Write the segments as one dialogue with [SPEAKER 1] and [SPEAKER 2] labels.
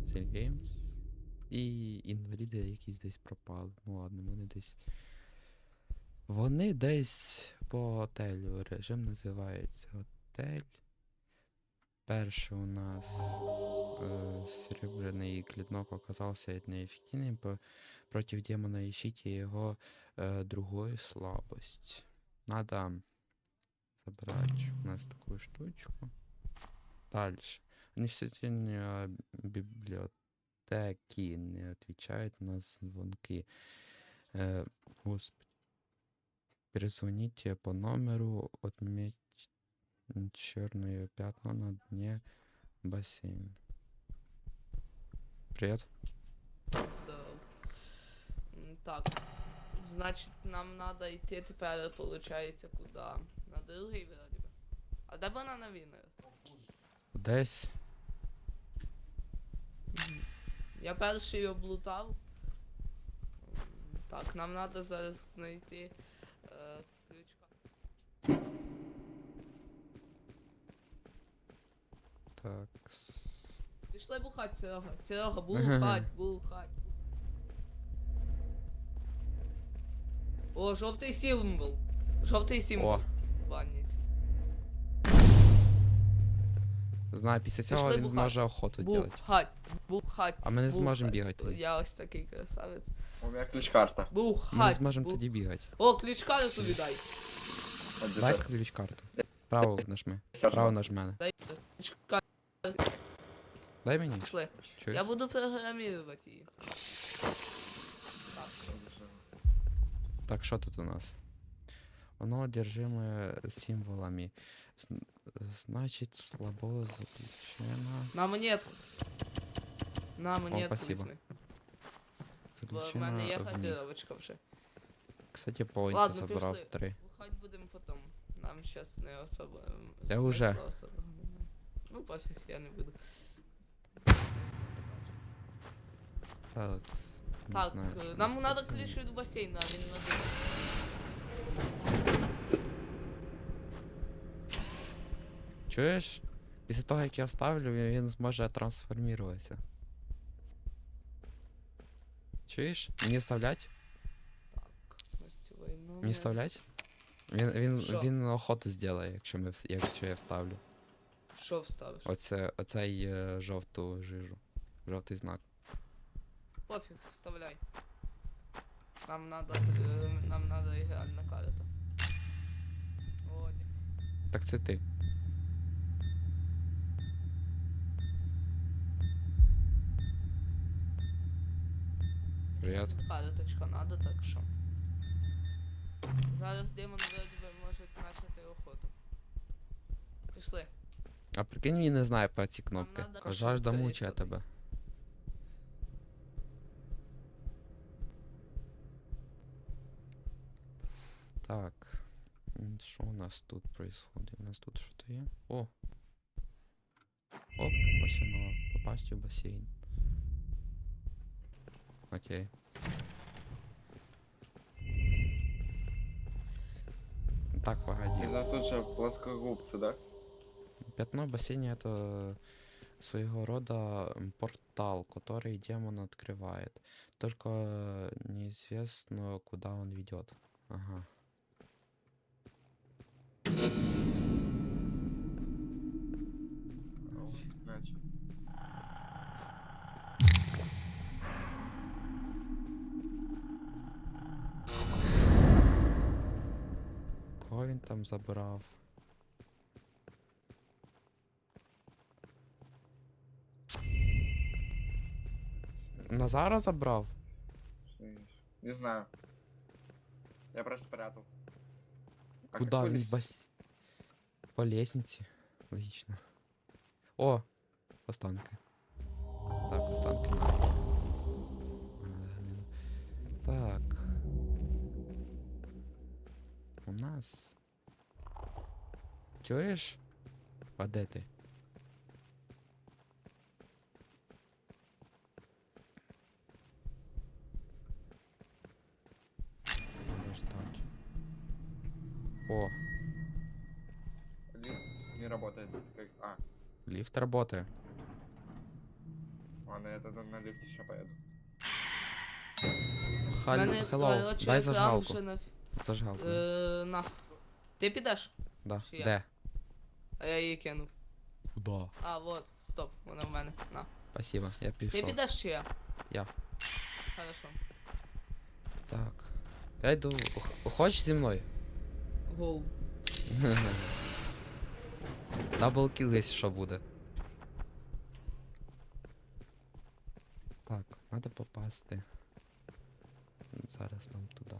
[SPEAKER 1] Steel Games. І інваліди якісь десь пропали. Ну ладно, вони десь. Вони десь по готелю. Режим називається готель. Перший у нас серебряный клинок оказался неэффективным против демона. Ищите его другую слабость. Надо забрать у нас такую штучку. Дальше. Университетные библиотеки не отвечают на звонки. Господи. Перезвоните по номеру, отметь черное пятно на дне бассейна. Привет.
[SPEAKER 2] Здорово. Так, значить, нам надо йти тепер, получається, куди? На другий вроді би. А де банана вінер?
[SPEAKER 1] Десь.
[SPEAKER 2] Я перший облутав. Так, нам надо зараз знайти ключка.
[SPEAKER 1] Так.
[SPEAKER 2] Пішли бухать, Серега. Серега, бухать, бухать. О, жовтий символ. Жовтий символ.
[SPEAKER 1] О.
[SPEAKER 2] В ванніці.
[SPEAKER 1] Знаю, після цього
[SPEAKER 2] Пішли
[SPEAKER 1] він
[SPEAKER 2] бухать.
[SPEAKER 1] зможе охоту робити.
[SPEAKER 2] Бухать, бухать.
[SPEAKER 1] А ми не зможемо
[SPEAKER 2] бухать.
[SPEAKER 1] бігати.
[SPEAKER 2] Я ось такий красавець.
[SPEAKER 3] У меня ключ-карта.
[SPEAKER 2] Бухать.
[SPEAKER 1] Ми не зможемо
[SPEAKER 2] бух-
[SPEAKER 1] тоді бігати.
[SPEAKER 2] О, ключ-карту віддай.
[SPEAKER 1] Дай ключ карту. Право нажми. Право нажми.
[SPEAKER 2] Дай ключ-карту.
[SPEAKER 1] Дай мені.
[SPEAKER 2] Пішли.
[SPEAKER 1] Чуєш?
[SPEAKER 2] Я буду программировать її.
[SPEAKER 1] Так, що тут у нас? Воно одержиме символами. Значить, слабо заключено.
[SPEAKER 2] На монетку. На монетку
[SPEAKER 1] спасибо.
[SPEAKER 2] візьми. Бо в мене є
[SPEAKER 1] Заключено в них.
[SPEAKER 2] газировочка вже.
[SPEAKER 1] Кстати, поінти
[SPEAKER 2] Ладно,
[SPEAKER 1] забрав
[SPEAKER 2] пішли.
[SPEAKER 1] 3.
[SPEAKER 2] Бухать будемо потом. Нам щас не особо.
[SPEAKER 1] Я
[SPEAKER 2] смисла
[SPEAKER 1] уже.
[SPEAKER 2] особого немає. Ну пофіг, я не буду.
[SPEAKER 1] Так, не
[SPEAKER 2] Так,
[SPEAKER 1] знаю, що
[SPEAKER 2] нам
[SPEAKER 1] нас
[SPEAKER 2] надо
[SPEAKER 1] тут
[SPEAKER 2] ключ від басейна, а він на
[SPEAKER 1] Чуєш? Після того, як я вставлю, він зможе трансформуватися. Чуєш? Мені вставлять?
[SPEAKER 2] Так, гостєвий номер.
[SPEAKER 1] Мені вставлять? Він,
[SPEAKER 2] Що?
[SPEAKER 1] він охоту зробить, якщо я вставлю.
[SPEAKER 2] Що вставиш?
[SPEAKER 1] Оцей жовту жижу. Жовтий знак.
[SPEAKER 2] Пофіг, вставляй. Нам надо ігральна карта. О, ні.
[SPEAKER 1] Так це ти. Привіт.
[SPEAKER 2] Карточка надо, так що. Зараз демон вроді би може почати охоту. Пішли.
[SPEAKER 1] А прикинь, він не знає про ці кнопки.
[SPEAKER 2] надо
[SPEAKER 1] Жажда
[SPEAKER 2] пошукати
[SPEAKER 1] мучає
[SPEAKER 2] собі.
[SPEAKER 1] тебе. Так. Що у нас тут происходит? У нас тут що-то є? О! Оп, ось воно. Попасть у басейн. Окей. Так, погоди.
[SPEAKER 3] Это тут же плоскогубцы, да?
[SPEAKER 1] Пятно в бассейне это своего рода портал, который демон открывает. Только неизвестно, куда он ведет. Ага.
[SPEAKER 3] Значит.
[SPEAKER 1] Кого він там забрав? Назара забрав?
[SPEAKER 3] Не знаю. Я просто спрятался. А
[SPEAKER 1] Куда
[SPEAKER 3] какой
[SPEAKER 1] він
[SPEAKER 3] лист?
[SPEAKER 1] по лестнице? Логично. О! Останки. Так, останки. Так. У нас. Чуєш? А де ти? Треба ждать. О,
[SPEAKER 3] Лифт не работает. Как... А,
[SPEAKER 1] лифт работает.
[SPEAKER 3] Ладно, я тогда на лифте еще поеду.
[SPEAKER 2] Мене,
[SPEAKER 1] Hello,
[SPEAKER 2] коротше,
[SPEAKER 1] дай
[SPEAKER 2] екран
[SPEAKER 1] зажигалку.
[SPEAKER 2] вже на...
[SPEAKER 1] Зажигалку.
[SPEAKER 2] На. Ти підеш?
[SPEAKER 1] Да.
[SPEAKER 2] чи я?
[SPEAKER 1] Де?
[SPEAKER 2] А я її кинув.
[SPEAKER 1] Куда?
[SPEAKER 2] А, вот, стоп, вона в мене. На.
[SPEAKER 1] Спасибо, я
[SPEAKER 2] Ти
[SPEAKER 1] пішов.
[SPEAKER 2] підеш чи я?
[SPEAKER 1] Я.
[SPEAKER 2] Хорошо.
[SPEAKER 1] Так. Я йду. Хочеш зі мною?
[SPEAKER 2] Гоу.
[SPEAKER 1] Даблкіл, якщо що буде. Так, треба попасти. Зараз нам туди.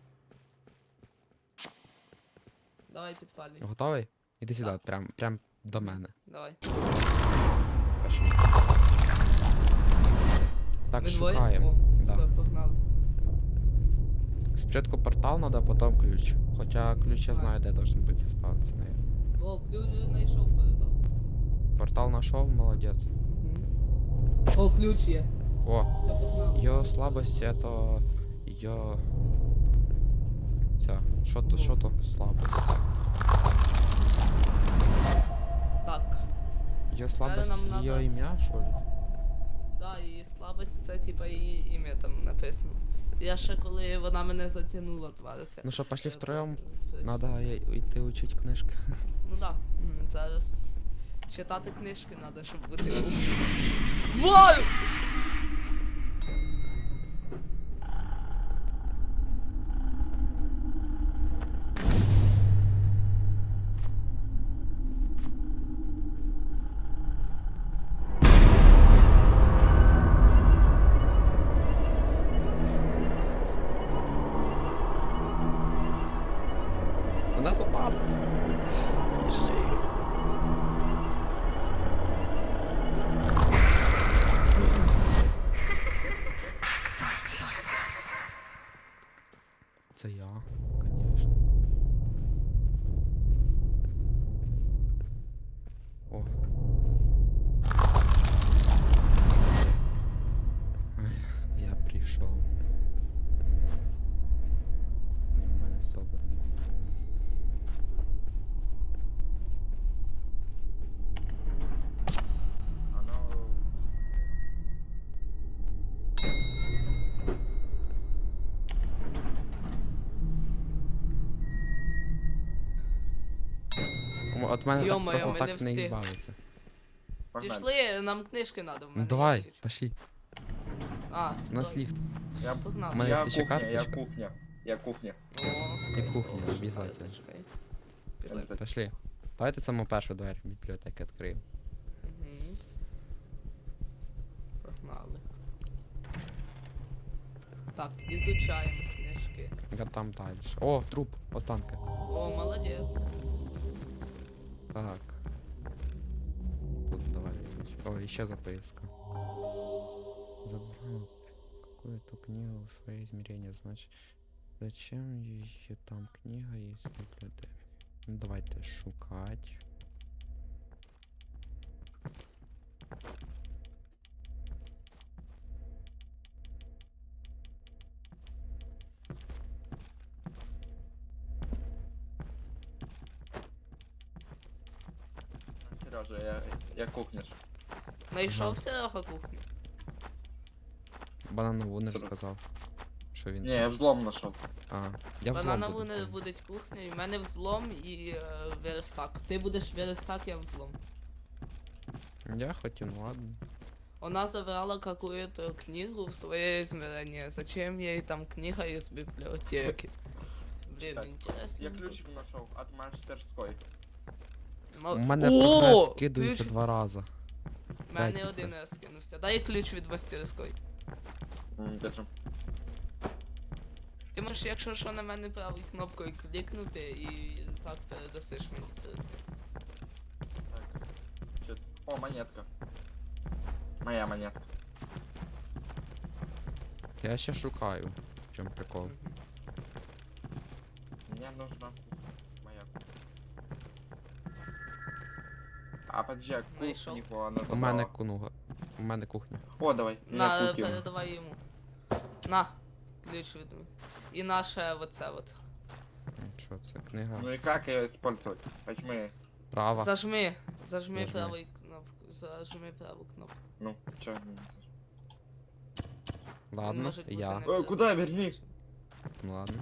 [SPEAKER 2] Давай підпалюй.
[SPEAKER 1] Готовий? Іди сюди,
[SPEAKER 2] Так.
[SPEAKER 1] прям до мене.
[SPEAKER 2] Давай.
[SPEAKER 1] Пішли. Так,
[SPEAKER 2] Ми двоє?
[SPEAKER 1] шукаємо.
[SPEAKER 2] О,
[SPEAKER 1] Да.
[SPEAKER 2] все, погнали.
[SPEAKER 1] Спочатку портал надо, потім ключ. Хоча ключ я знаю, де должен бути заспавнитися, наверное.
[SPEAKER 2] О, ключ знайшов передал.
[SPEAKER 1] Портал знайшов, молодець.
[SPEAKER 2] О, ключ є.
[SPEAKER 1] О,
[SPEAKER 2] Все, погнали.
[SPEAKER 1] його слабость это... Його... Ця, що то слабость?
[SPEAKER 2] Так.
[SPEAKER 1] Його слабость,
[SPEAKER 2] нам надо-
[SPEAKER 1] його ім'я, що ли?
[SPEAKER 2] Да, її слабость, це типа її ім'я там написано. Я ще коли вона мене затягнула, твариться.
[SPEAKER 1] Ну що, пошли
[SPEAKER 2] Е,
[SPEAKER 1] втроєм?
[SPEAKER 2] е,
[SPEAKER 1] Надо йти учить книжки.
[SPEAKER 2] Ну да. Зараз читати книжки треба, щоб бути. Тварь!
[SPEAKER 1] У нас опасность. Біжи. Це я, конечно. О. Ай, я прийшов. Не, в мене собрано.
[SPEAKER 3] Оно...
[SPEAKER 1] От мене так
[SPEAKER 2] Йо-моє,
[SPEAKER 1] просто
[SPEAKER 2] ми
[SPEAKER 1] так
[SPEAKER 2] не
[SPEAKER 1] не
[SPEAKER 2] встиг.
[SPEAKER 1] збавиться.
[SPEAKER 3] Погнали.
[SPEAKER 2] Пішли, нам книжки треба в мене.
[SPEAKER 1] Ну
[SPEAKER 2] є
[SPEAKER 1] давай,
[SPEAKER 2] ключ.
[SPEAKER 1] пошли.
[SPEAKER 2] А,
[SPEAKER 1] У нас
[SPEAKER 2] стой.
[SPEAKER 1] ліфт.
[SPEAKER 3] Я,
[SPEAKER 2] Погнали.
[SPEAKER 1] У мене
[SPEAKER 3] я
[SPEAKER 1] є ще
[SPEAKER 3] кухня, я
[SPEAKER 1] карточка.
[SPEAKER 3] кухня. Я кухня.
[SPEAKER 2] О,
[SPEAKER 1] І кухня,
[SPEAKER 2] добре,
[SPEAKER 1] обязательно.
[SPEAKER 2] карточка. Пішли.
[SPEAKER 3] Обязательно.
[SPEAKER 1] Пошли. Давайте саму першу двері бібліотеки відкриємо.
[SPEAKER 2] Мгм. Погнали. Так, ізучаємо книжки.
[SPEAKER 1] Я там далі. О, труп, останки.
[SPEAKER 2] О, молодець.
[SPEAKER 1] Так. Тут давай. О, еще записка. Забрал какую-то книгу в свои измерения, значит. Зачем еще там книга, если люди... Ну давайте шукать.
[SPEAKER 3] Сережа, я кухня. ж.
[SPEAKER 2] Знайшов
[SPEAKER 1] Ага.
[SPEAKER 2] Серега кухню.
[SPEAKER 1] Бананову не
[SPEAKER 3] Що?
[SPEAKER 1] розказав. Що він.
[SPEAKER 3] Не, я взлом нашел.
[SPEAKER 1] А, я взлом
[SPEAKER 2] Банана
[SPEAKER 1] буду,
[SPEAKER 2] вони
[SPEAKER 1] понял.
[SPEAKER 2] будуть кухнею, в мене взлом і верстак. Ти будеш верстак, я взлом.
[SPEAKER 1] Я хотів, ну ладно.
[SPEAKER 2] Она забрала какую-то книгу в свое измерение. Зачем ей там книга из библиотеки? Блин,
[SPEAKER 3] Так,
[SPEAKER 2] интересно.
[SPEAKER 3] Я ключик нашел от мастерской.
[SPEAKER 1] У мене
[SPEAKER 2] О,
[SPEAKER 1] прогрес скидується
[SPEAKER 2] ключ-
[SPEAKER 1] 2 рази.
[SPEAKER 2] У мене
[SPEAKER 1] Третій
[SPEAKER 2] один
[SPEAKER 1] це.
[SPEAKER 2] раз кинувся. Дай ключ від мастерської.
[SPEAKER 3] Держим.
[SPEAKER 2] Ти можеш, якщо що, на мене правою кнопкою клікнути і так передасиш мені.
[SPEAKER 3] Так. Чё- О, монетка. Моя монетка.
[SPEAKER 1] Я ще шукаю. В чому прикол?
[SPEAKER 3] Мне нужна моя кухня. А подожди, а
[SPEAKER 2] Нашел.
[SPEAKER 3] кухню она
[SPEAKER 1] У мене
[SPEAKER 3] забрала.
[SPEAKER 1] кунуга. У мене кухня.
[SPEAKER 3] О, давай.
[SPEAKER 2] На,
[SPEAKER 3] я кухню.
[SPEAKER 2] передавай йому. На, ключ від мене. І наше оце от.
[SPEAKER 1] Що це? Книга.
[SPEAKER 3] Ну и как ее использовать? Возьми.
[SPEAKER 1] Права.
[SPEAKER 2] Зажми
[SPEAKER 1] Зажми.
[SPEAKER 2] правою кнопку. Зажми праву кнопку.
[SPEAKER 3] Ну, чё? не заж-
[SPEAKER 1] Ладно,
[SPEAKER 2] Можуть бути
[SPEAKER 1] я.
[SPEAKER 2] не-
[SPEAKER 3] Куди? Верни.
[SPEAKER 1] Ну ладно.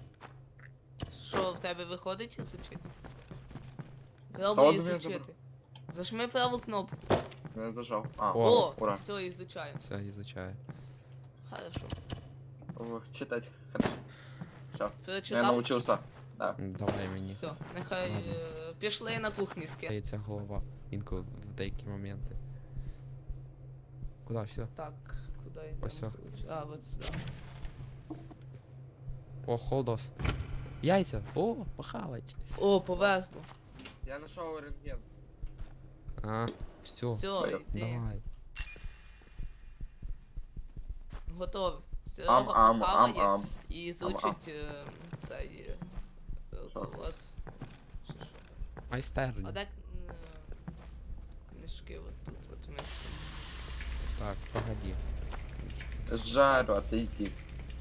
[SPEAKER 2] Що в тебе виходить ізучити?
[SPEAKER 3] Та
[SPEAKER 2] Пробуй
[SPEAKER 3] от він
[SPEAKER 2] ізучити. Зажми праву кнопку.
[SPEAKER 3] Я зажав. А,
[SPEAKER 1] О.
[SPEAKER 3] ура.
[SPEAKER 2] Все, ізучаємо.
[SPEAKER 1] Все, изучаю.
[SPEAKER 2] Хорошо.
[SPEAKER 3] Ох, читать. Хорошо. Все. Я
[SPEAKER 2] Перечитав?
[SPEAKER 3] научился. Да.
[SPEAKER 1] Давай мені.
[SPEAKER 2] Все, нехай
[SPEAKER 1] Ладно.
[SPEAKER 2] пішли на кухні з ким.
[SPEAKER 1] Стається голова. Інколи в деякі моменти. Куда все?
[SPEAKER 2] Так, куди йдемо?
[SPEAKER 1] Ось о.
[SPEAKER 2] А, от сюди.
[SPEAKER 1] О, холдос. Яйця. О, похавать.
[SPEAKER 2] О, повезло.
[SPEAKER 3] Я нашел рентген.
[SPEAKER 1] А, все.
[SPEAKER 2] Все,
[SPEAKER 3] Понял.
[SPEAKER 2] йди.
[SPEAKER 1] Давай.
[SPEAKER 2] Готовий.
[SPEAKER 3] Ам,
[SPEAKER 2] Серега
[SPEAKER 3] ам, ам,
[SPEAKER 2] похаває
[SPEAKER 3] ам.
[SPEAKER 2] і звучить цей колос. Чи що?
[SPEAKER 1] Майстерня.
[SPEAKER 2] А так книжки от тут, от ми.
[SPEAKER 1] Так, погоди.
[SPEAKER 3] Жару, а ты иди.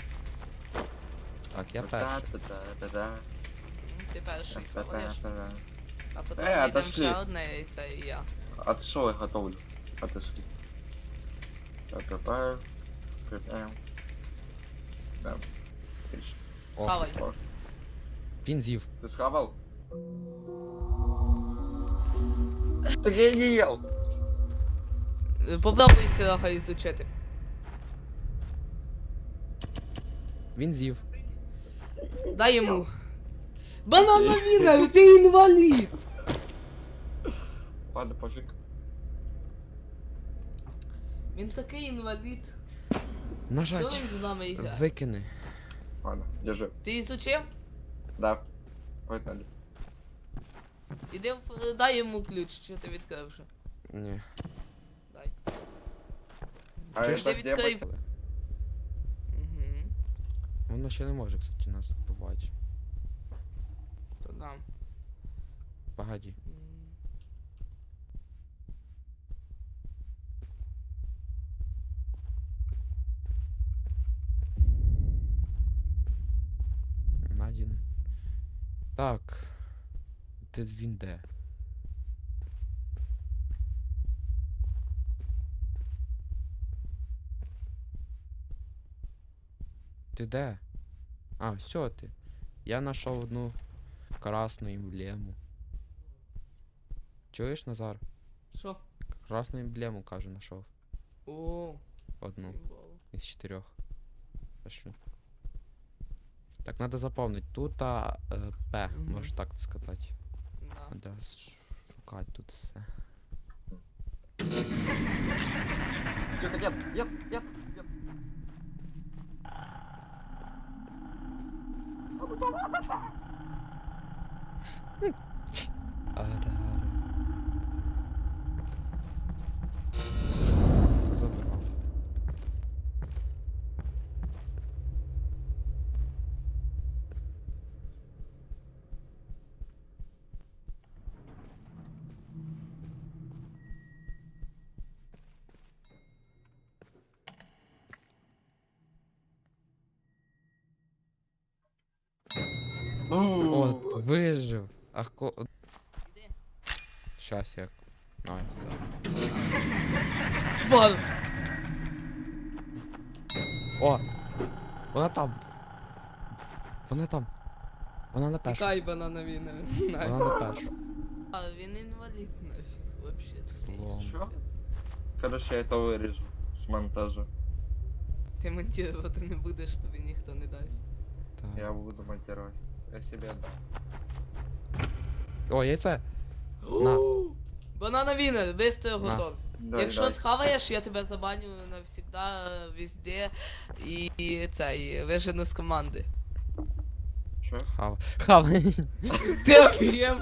[SPEAKER 1] Так, я перший.
[SPEAKER 3] Та-та-та-та-та.
[SPEAKER 2] Ти перший хаваєш,
[SPEAKER 3] Та-та-та-та.
[SPEAKER 2] а потім
[SPEAKER 3] Е,
[SPEAKER 2] йдемо
[SPEAKER 3] отошли.
[SPEAKER 2] ще одне яйце і я.
[SPEAKER 3] Отшел, я готовлю. Отошли. Закопаю. Крепаем. Да. Отлично.
[SPEAKER 1] О,
[SPEAKER 2] Хавай.
[SPEAKER 3] О,
[SPEAKER 1] він з'їв.
[SPEAKER 3] ты схавал? Так я не ел.
[SPEAKER 2] Попробуй Серега ізучити.
[SPEAKER 1] Він з'їв.
[SPEAKER 2] Дай йому. Банана віна, ти інвалід!
[SPEAKER 3] Ладно, пофиг.
[SPEAKER 2] Він такий інвалід. Що
[SPEAKER 1] Нажать.
[SPEAKER 2] він з нами іграє?
[SPEAKER 1] Викини.
[SPEAKER 3] Ладно, держи.
[SPEAKER 2] Ти ізучив?
[SPEAKER 3] Да. Погнали.
[SPEAKER 2] Іди, дай йому ключ, чи ти відкрив вже.
[SPEAKER 1] Ні.
[SPEAKER 2] Дай.
[SPEAKER 3] А
[SPEAKER 1] Чи
[SPEAKER 3] это
[SPEAKER 1] ж
[SPEAKER 3] где
[SPEAKER 2] відкрив?
[SPEAKER 3] будет?
[SPEAKER 2] Угу.
[SPEAKER 1] Воно ще не може, кстати, нас вбивати.
[SPEAKER 2] То дам.
[SPEAKER 1] Погоди. Надін. Так. Де він де? Ти де? А, все ти. Я знайшов одну красну емблему. Чуєш, Назар?
[SPEAKER 2] Що?
[SPEAKER 1] Красну емблему, каже, знайшов.
[SPEAKER 2] О,
[SPEAKER 1] Одну
[SPEAKER 2] їбало.
[SPEAKER 1] із 4. Пошли. Так, надо запомнить. Тут П,
[SPEAKER 2] Мгм.
[SPEAKER 1] можеш так сказати.
[SPEAKER 2] Да.
[SPEAKER 1] Надо шукати тут все.
[SPEAKER 3] Тихо, нет, нет, нет, нет.
[SPEAKER 1] Ара-ара. Забрав. От, вижив. А
[SPEAKER 2] Іди.
[SPEAKER 1] Щас як. Ай, все.
[SPEAKER 2] Твар!
[SPEAKER 1] О! Вона там! Вона там! Вона на першу.
[SPEAKER 2] Тікай, банана віна.
[SPEAKER 1] Вона на першу.
[SPEAKER 2] А він інвалід нафіг, вообще.
[SPEAKER 1] Злом.
[SPEAKER 3] Що? Короче, я это вырежу с монтажа.
[SPEAKER 2] Ти монтувати не будеш, тобі ніхто не дасть.
[SPEAKER 1] Так.
[SPEAKER 3] Я буду монтировать. Я себе отдам.
[SPEAKER 1] О, яйце! На.
[SPEAKER 2] Банана вінер, быстро
[SPEAKER 1] На.
[SPEAKER 2] готов.
[SPEAKER 3] Дай,
[SPEAKER 2] Якщо
[SPEAKER 3] дай.
[SPEAKER 2] схаваєш, я тебе забаню навсегда, везде, і цей, вижену з команди.
[SPEAKER 3] Чё?
[SPEAKER 1] Хава. Хава.
[SPEAKER 2] Ти офігел?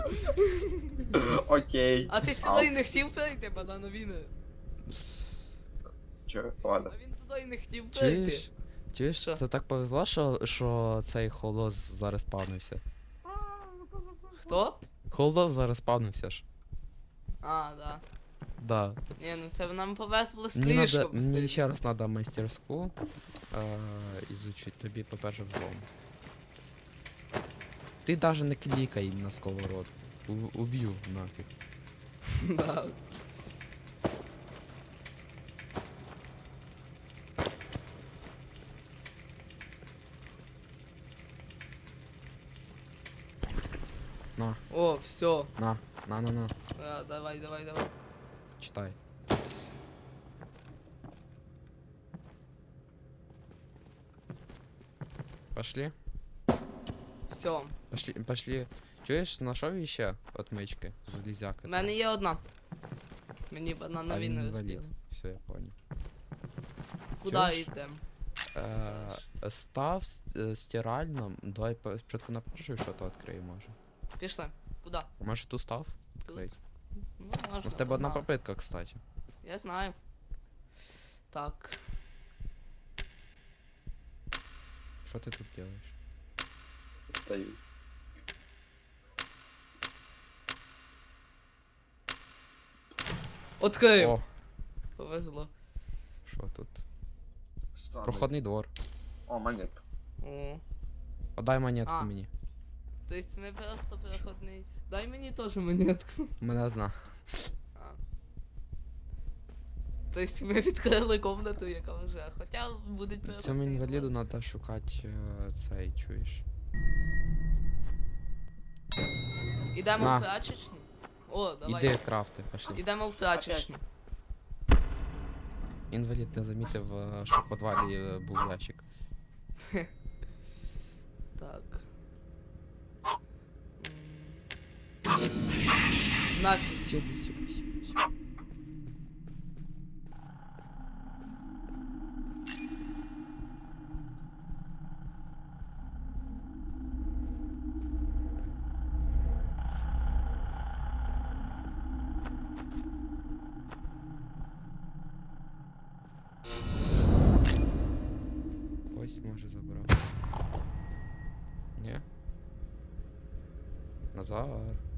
[SPEAKER 3] Окей.
[SPEAKER 2] А ти сюди і не хотів перейти, банана вінер?
[SPEAKER 3] Чё? Ладно.
[SPEAKER 2] А він туди і не хотів перейти.
[SPEAKER 1] Чуєш? Чуєш?
[SPEAKER 2] Що?
[SPEAKER 1] Це так повезло, що цей холос зараз спавнився.
[SPEAKER 2] Хто?
[SPEAKER 1] Холос зараз спавнився ж.
[SPEAKER 2] А, да.
[SPEAKER 1] Да.
[SPEAKER 2] Ні, ну це нам повезло
[SPEAKER 1] Мені, надо,
[SPEAKER 2] слишком
[SPEAKER 1] мені
[SPEAKER 2] сильно.
[SPEAKER 1] ще раз треба мастерську ізучити. Тобі по-перше взлом. Ти даже не клікай на сковород. Уб'ю нафіг.
[SPEAKER 2] Да.
[SPEAKER 1] На,
[SPEAKER 2] О, все.
[SPEAKER 1] на, на.
[SPEAKER 2] Давай.
[SPEAKER 1] Читай. Пошли.
[SPEAKER 2] Все.
[SPEAKER 1] Пошли. Чуєш, знайшов ще отмички? Железяка.
[SPEAKER 2] У мене є одна. Мені
[SPEAKER 1] А
[SPEAKER 2] банана
[SPEAKER 1] він
[SPEAKER 2] він не
[SPEAKER 1] інвалід.
[SPEAKER 2] розділи.
[SPEAKER 1] Все, я понял.
[SPEAKER 2] Куди
[SPEAKER 1] Чуєш?
[SPEAKER 2] йдемо?
[SPEAKER 1] Став стиральном. Давай спочатку на першу що-то відкрию, може.
[SPEAKER 2] Пішли. Куди?
[SPEAKER 1] Може ту став? Відкрить.
[SPEAKER 2] Ну, можна.
[SPEAKER 1] Ну, в тебе одна
[SPEAKER 2] погнали.
[SPEAKER 1] попитка, кстати.
[SPEAKER 2] Я знаю. Так.
[SPEAKER 1] Що ти тут робиш?
[SPEAKER 3] Стою.
[SPEAKER 2] Открив.
[SPEAKER 1] О,
[SPEAKER 2] Повезло.
[SPEAKER 1] що тут?
[SPEAKER 3] Странный.
[SPEAKER 1] Проходний двор.
[SPEAKER 3] О, монетка.
[SPEAKER 2] О.
[SPEAKER 1] Подай монетку
[SPEAKER 2] А.
[SPEAKER 1] мені.
[SPEAKER 2] Тобто ми просто переходний. Дай мені теж монетку.
[SPEAKER 1] У мене одна.
[SPEAKER 2] А. Тобто ми відкрили комнату, яка вже. Хоча будуть переходний.
[SPEAKER 1] Цьому інваліду
[SPEAKER 2] двор.
[SPEAKER 1] треба шукати цей, чуєш.
[SPEAKER 2] Ідемо
[SPEAKER 1] На.
[SPEAKER 2] в прачечну. О, давай.
[SPEAKER 1] Іди крафти, пошли.
[SPEAKER 2] Ідемо в прачечну.
[SPEAKER 1] Інвалід не замітив, що в підвалі був ящик.
[SPEAKER 2] Так. Нафіг.
[SPEAKER 1] Сюди. Ось може забрав. Ні? Назар.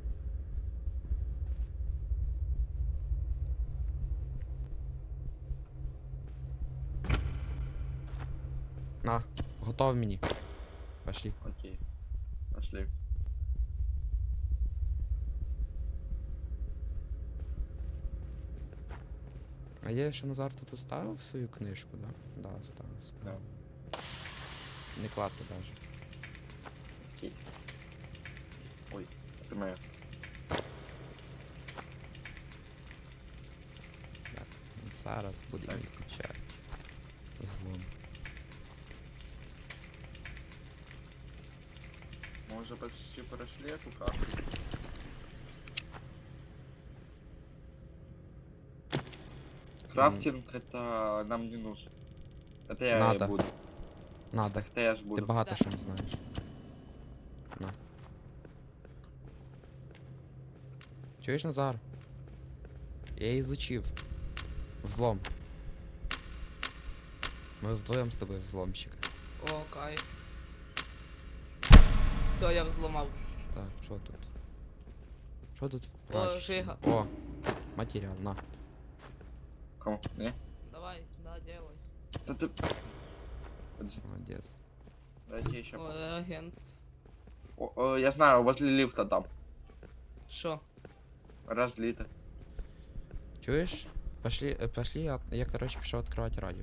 [SPEAKER 1] На, готов мені. Пошли.
[SPEAKER 3] Окей. Пошли.
[SPEAKER 1] А я ще Назар тут оставив свою книжку, да? Да, оставив.
[SPEAKER 3] Да.
[SPEAKER 1] Не кладти даже.
[SPEAKER 3] Окей. Ой, это моя.
[SPEAKER 1] Так, зараз буде
[SPEAKER 3] Так.
[SPEAKER 1] відключати. Злом.
[SPEAKER 3] Мы уже почти прошли эту карту. Крафтинг это нам не нужен. Это я
[SPEAKER 1] Надо.
[SPEAKER 3] буду.
[SPEAKER 1] Надо.
[SPEAKER 3] Это я ж
[SPEAKER 1] Ти
[SPEAKER 3] буду.
[SPEAKER 1] багато
[SPEAKER 2] Да.
[SPEAKER 1] що не знаєш. На. Чуєш, Назар? Я її изучив. Взлом. Ми вдвоєм з тобою взломщик.
[SPEAKER 2] О, кайф. Все, я взломав.
[SPEAKER 1] Так, що тут? Що тут в
[SPEAKER 2] О,
[SPEAKER 1] прачечній?
[SPEAKER 2] Жига.
[SPEAKER 1] О, матеріал, на.
[SPEAKER 3] Кому? Не?
[SPEAKER 2] Давай, да, делай.
[SPEAKER 3] Да ты... Подожди,
[SPEAKER 1] Молодець.
[SPEAKER 3] дайте еще.
[SPEAKER 2] О, реагент.
[SPEAKER 3] Я знаю, возле лифта там.
[SPEAKER 2] Що?
[SPEAKER 3] Разлито.
[SPEAKER 1] Чуєш? Пошли, я короче пішов відкривати радіо.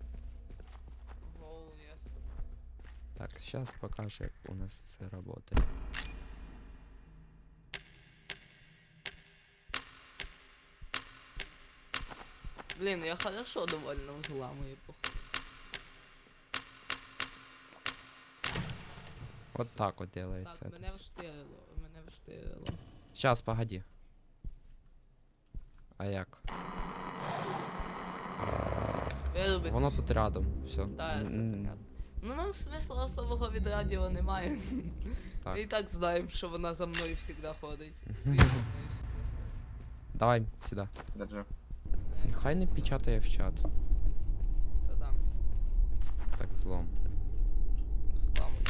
[SPEAKER 2] Гоу, ясно.
[SPEAKER 1] Так, сейчас покажу, як у нас це работает.
[SPEAKER 2] Блін, я хорошо довольно взламую, походу.
[SPEAKER 1] Вот так вот делается.
[SPEAKER 2] Так,
[SPEAKER 1] это
[SPEAKER 2] мене
[SPEAKER 1] всё.
[SPEAKER 2] вштирило, мене вштирило.
[SPEAKER 1] Сейчас, погоди. А як?
[SPEAKER 2] Вирубить.
[SPEAKER 1] Воно тут рядом, все.
[SPEAKER 2] Так, це понятно. Ну нам смисла особого від радіо немає.
[SPEAKER 1] Так.
[SPEAKER 2] Ми і так знаємо, що вона за мною завжди ходить. Ти за мною всегда.
[SPEAKER 1] Давай сюди.
[SPEAKER 3] Держи.
[SPEAKER 1] Хай не печатає в чат.
[SPEAKER 2] Та да,
[SPEAKER 1] Так, злом.
[SPEAKER 2] взламуй.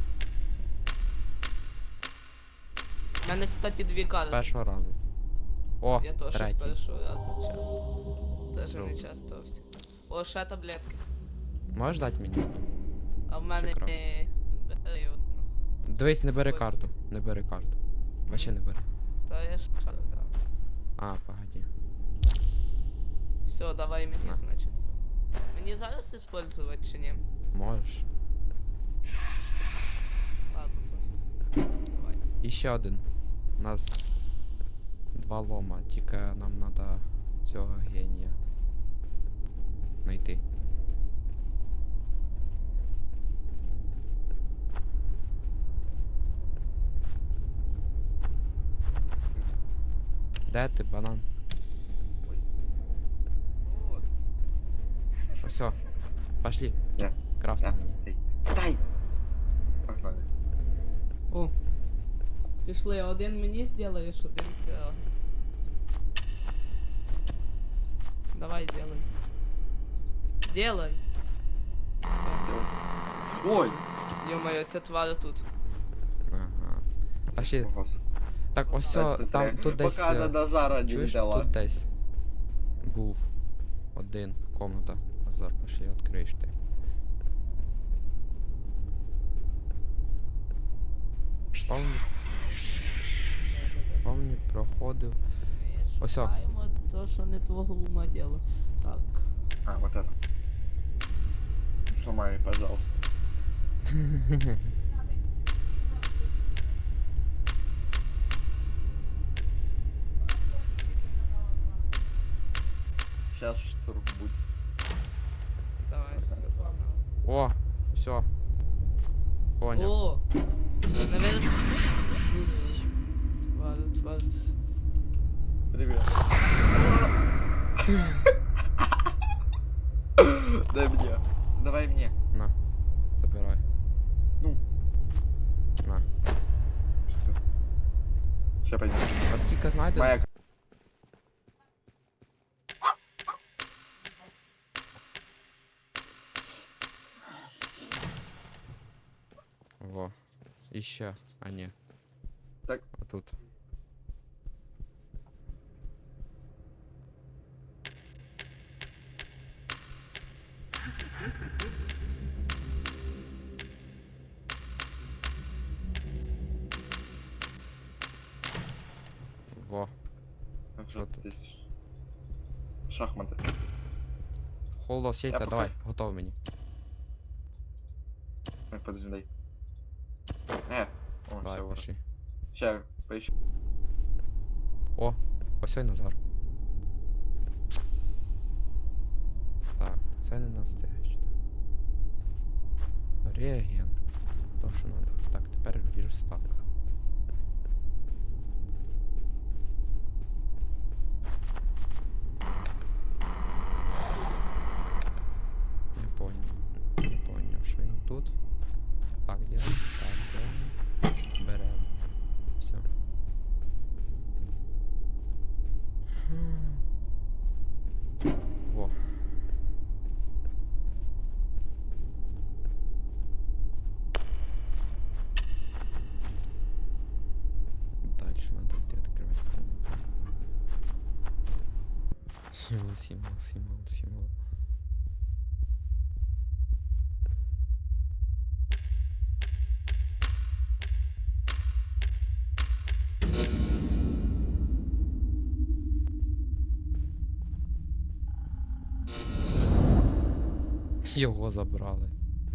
[SPEAKER 2] У мене, кстати, дві
[SPEAKER 1] З
[SPEAKER 2] карти.
[SPEAKER 1] першого разу. О,
[SPEAKER 2] Я теж з
[SPEAKER 1] третій.
[SPEAKER 2] першого разу часто. Даже не
[SPEAKER 1] Добре.
[SPEAKER 2] часто всі. О, ще таблетки.
[SPEAKER 1] Можеш дати мені?
[SPEAKER 2] А в мене
[SPEAKER 1] кров?
[SPEAKER 2] бери одну.
[SPEAKER 1] Дивись, не бери
[SPEAKER 2] Ось.
[SPEAKER 1] карту. Не бери карту. Вообще не бери.
[SPEAKER 2] Та я ж шарю, да.
[SPEAKER 1] А, погоди.
[SPEAKER 2] Все, давай мені,
[SPEAKER 1] На.
[SPEAKER 2] значить. Мені зараз использовать чи ні?
[SPEAKER 1] Можеш.
[SPEAKER 2] Ладно, пофіг. Давай.
[SPEAKER 1] І ще один. нас два лома, тільки нам треба цього генія знайти. Де ти, банан?
[SPEAKER 3] Ой. Вот.
[SPEAKER 1] Все, пошли.
[SPEAKER 3] Я.
[SPEAKER 1] Крафти
[SPEAKER 3] Я.
[SPEAKER 1] мені.
[SPEAKER 3] Дай. Дай. Погнали.
[SPEAKER 2] О. Пішли, один мені зробиш, один Серега. Давай, делай. Делай.
[SPEAKER 3] Ой.
[SPEAKER 2] Ё-моё, ця тварь тут.
[SPEAKER 1] Ага. Пошли.
[SPEAKER 3] Ого.
[SPEAKER 1] Так, ось
[SPEAKER 3] Так, ти
[SPEAKER 1] там,
[SPEAKER 3] зря.
[SPEAKER 1] тут десь.
[SPEAKER 3] Поки до Назара не
[SPEAKER 1] Чуєш,
[SPEAKER 3] взяла.
[SPEAKER 1] тут десь був один комната. Азар, пошли, відкриєш ти. Помні, проходив. Ось о.
[SPEAKER 2] Шукаємо то, що не твого ума діло. Так.
[SPEAKER 3] А, вот это. Не сломай, пожалуйста. Сейчас штурм будет.
[SPEAKER 2] Давай, все, погнали.
[SPEAKER 1] О, все. Поняв.
[SPEAKER 2] О! Наверное... Тварь.
[SPEAKER 3] Привет. Дай мне. Давай мне.
[SPEAKER 1] На, забирай.
[SPEAKER 3] Ну.
[SPEAKER 1] На.
[SPEAKER 3] Что? Сейчас пойдем.
[SPEAKER 1] А скільки знайдено?
[SPEAKER 3] Моя.
[SPEAKER 1] Во. Іще. А ні.
[SPEAKER 3] Так.
[SPEAKER 1] Отут. Во. Що
[SPEAKER 3] Вот
[SPEAKER 1] тут?
[SPEAKER 3] здесь. Шахматы.
[SPEAKER 1] Холос яйця,
[SPEAKER 3] Я
[SPEAKER 1] давай,
[SPEAKER 3] пока-
[SPEAKER 1] готов мені.
[SPEAKER 3] Ой, подожди, дай. О,
[SPEAKER 1] Давай, пошли.
[SPEAKER 3] Сейчас, поищу.
[SPEAKER 1] О, ось ой Назар. Так, це не настояще. Реагент. То, що надо. Так, тепер верстак. Не понял. Не понял, що він тут. Так делаем, так делаем. Берем. Все. Во. Дальше надо где открывать комнату. Символ. Його забрали.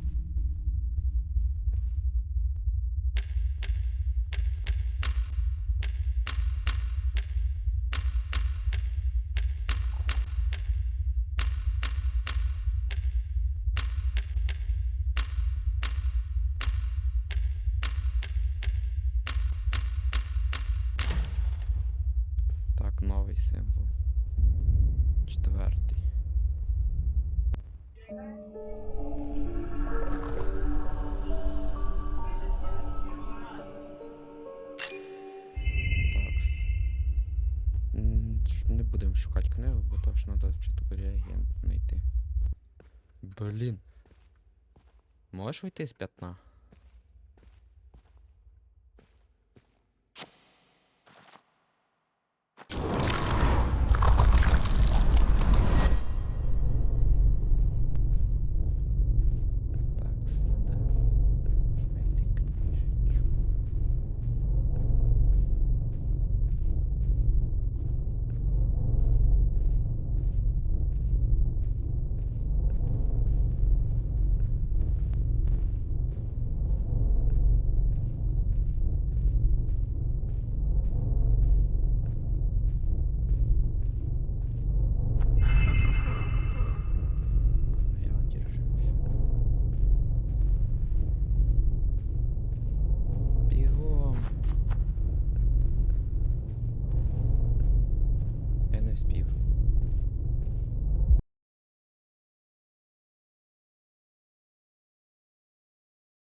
[SPEAKER 1] Так, новий символ. Четвертий. Не будемо шукати книгу, бо то що треба спочатку реагент знайти. Блін. Можеш вийти з п'ятна?